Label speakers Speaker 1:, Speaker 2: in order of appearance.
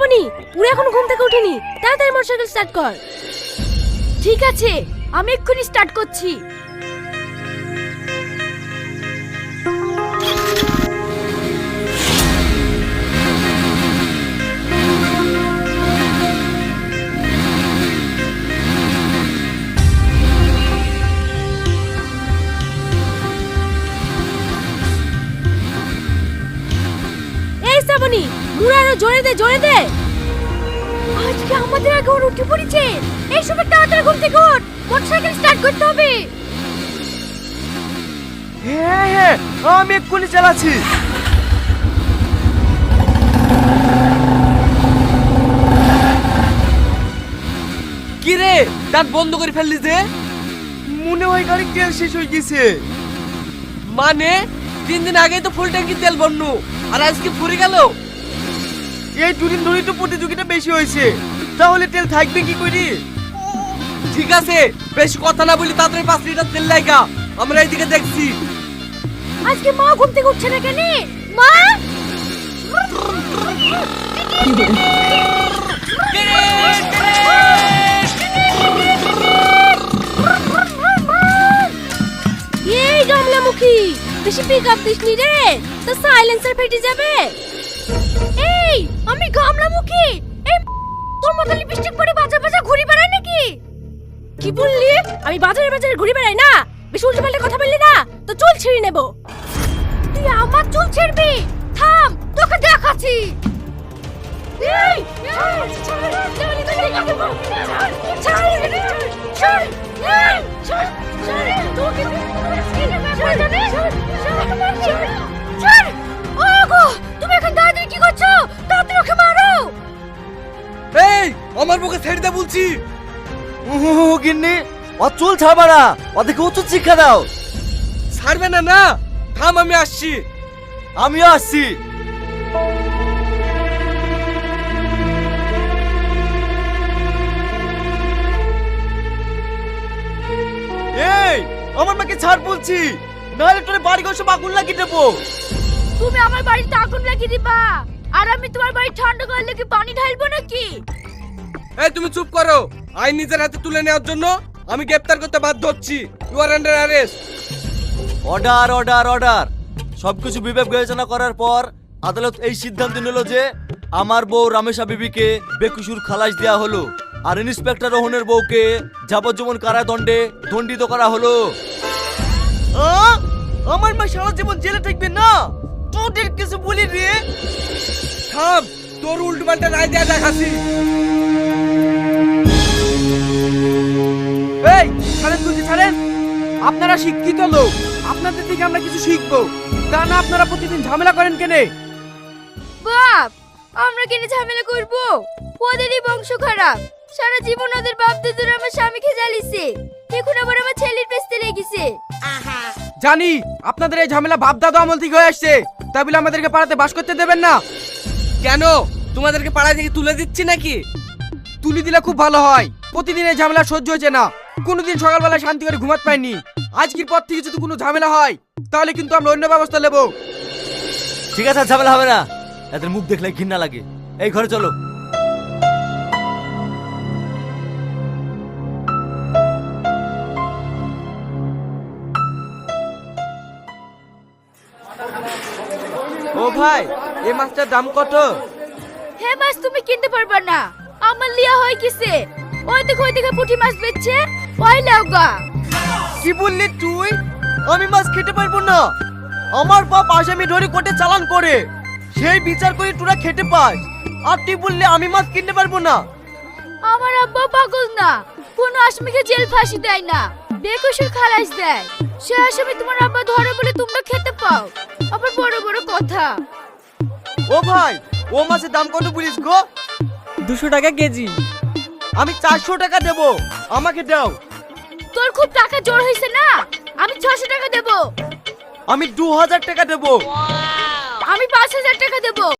Speaker 1: শ্রাবণী, পুরো এখন ঘুম থেকে উঠেনি, তাড়াতাড়ি মোটরসাইকেল স্টার্ট কর। ঠিক আছে, আমি এক্ষুনি স্টার্ট করছি। এই শ্রাবণী, মুড়ে আরো জোরে দে, জোরে দে। আজকে আমাদের আগে ওর উঠে পড়েছে। এই সময় তাড়াতাড়ি ঘুম থেকে ওঠ, মোটরসাইকেল স্টার্ট করতে হবে।
Speaker 2: হ্যাঁ হ্যাঁ, আমি এক্ষুনি চালাচ্ছি।
Speaker 3: কি রে, দাঁত বন্ধ করে ফেললি যে?
Speaker 2: মনে হয় গাড়ির তেল শেষ হয়ে গেছে।
Speaker 3: মানে 3 দিন আগেই তো ফুল ট্যাঙ্কি তেল বন্য, আর আজকে ফুরে গেল।
Speaker 2: এই দুদিন ধরেই তো প্রতিযোগিতা বেশি হয়েছে, তাহলে তেল থাকবে কি করি?
Speaker 3: ঠিক আছে, বেশি কথা না বলি তাড়াতাড়ি 5 লিটার তেল লাগা, আমরা এইদিকে দেখছি।
Speaker 1: আজকে মা ঘুম থেকে উঠছে না কেন? মা! এই গামলামুখী, বেশি পিক আপ দিসনি রে, তো সাইলেন্সার ফেটে যাবে। এই আমি গামলামুখী, এই তোর মতো লিপস্টিক পরে বাজার বাজার ঘুরে বেড়ায় নাকি? কি বললি? আমি বাজারে বাজারে ঘুরে বেড়াই না? বেশি উল্টোপাল্টা কথা বললি না তো চুল ছিঁড়ে নেব। তুই আমার চুল ছিঁড়বি? থাম, তোকে দেখাচ্ছি। এই তুমি এখন দাঁড়িয়ে কি করছো? তাড়াতাড়ি ওকে মারো।
Speaker 3: এই আমার বুকে ছেড়ে দে বলছি।
Speaker 2: গিন্নি, ও চুল ছাড়বা না, ওদেরকে উচিত শিক্ষা দাও।
Speaker 3: ছাড়বে না না? থাম, আমি আসছি।
Speaker 2: আমিও আসছি। এই আমার মাকে ছাড় বলছি, নাহলে তোর বাড়ি ঘর সব আগুন লাগিয়ে দেবো।
Speaker 1: তুমি আমার বাড়িতে আগুন লাগিয়ে দিবা, আর আমি তোমার বাড়ি ঠান্ডা করলে কি পানি ঢালবো নাকি?
Speaker 3: এই তুমি চুপ করো। আইন নিজের হাতে তুলে নেওয়ার জন্য আমি গ্রেফতার করতে বাধ্য হচ্ছি। You are under arrest.
Speaker 2: Order order order. সবকিছু বিবেক বিবেচনা করার পর আদালত এই সিদ্ধান্ত নিল যে আমার বউ রামেশা বিবিকে বেকসুর খালাস দেওয়া হলো, আর ইন্সপেক্টর রোহনের বউকে যাবজ্জীবন কারাদণ্ডে দণ্ডিত করা হলো। আমার মা সারা জীবন জেলে থাকবে না, তোদের কিছু বলি রে।
Speaker 3: থাম, তোর উল্টোপাল্টা রায় দেয়া দেখাচ্ছি।
Speaker 4: এই ছাড়েন বলছি, ছাড়েন। আপনারা শিক্ষিত লোক, আপনাদের থেকে আমরা কিছু শিখবো, তা না আপনারা প্রতিদিন ঝামেলা করেন কেনে?
Speaker 1: বাপ, আমরা কেন ঝামেলা করব? ওদেরই বংশ খারাপ, সারা জীবন ওদের বাপ দাদুরা আমার স্বামীকে জ্বালিয়েছে, এখন আবার আমার ছেলের পেছতে লেগেছে।
Speaker 4: জানি আপনাদের এই ঝামেলা বাপ দাদা আমল থেকে হয়ে আসছে, তাই বলে আমাদেরকে পাড়াতে বাস করতে দেবেন না।
Speaker 3: কেন, তোমাদেরকে পাড়া থেকে তুলে দিচ্ছি নাকি?
Speaker 4: তুলি দিলে খুব ভালো হয়, প্রতিদিন এই ঝামেলা সহ্য হয়েছে না, কোনোদিন সকালবেলা শান্তি করে ঘুমাতে পাইনি। আজকের পর থেকে যদি কোনো ঝামেলা হয় তাহলে কিন্তু আমরা অন্য ব্যবস্থা নেব।
Speaker 2: ঠিক আছে, আর ঝামেলা হবে না। এদের মুখ দেখলে ঘৃণা লাগে। এই ঘরে চলো।
Speaker 4: ও ভাই, এই মাছটার দাম কত?
Speaker 1: হে মাছ তুমি কিনতে পারবা না, আমার লিয়া হয়ে গেছে। ওই দেখো পুঁটি মাছ বেচছে, ওই লাউগা।
Speaker 2: কি বললি তুই? আমি মাছ খেতে পারবো না। আমার বাপ আসামি ধরে কোর্টে চালান করে, সেই বিচার করে তোরা খেতে পাস, আর তুই বললি আমি মাছ কিনতে পারবো না?
Speaker 1: আমার আব্বা পাগল না, কোন আসামিকে জেল ফাঁসি দেয় না, বেকসুর খালাস দেয়। সে আসামি তোমার আব্বা ধরে বলে তোমরা খেতে পাও, আবার বড় বড় কথা।
Speaker 2: ও ভাই, ও মাছের দাম কত বলিস গো?
Speaker 4: 200 টাকা কেজি।
Speaker 2: আমি 400 টাকা দেবো, আমাকে দাও।
Speaker 1: তোর খুব টাকা জোর হয়েছে না, আমি 600 টাকা দেবো।
Speaker 2: আমি 2000 টাকা দেবো।
Speaker 1: আমি 5000 টাকা দেবো।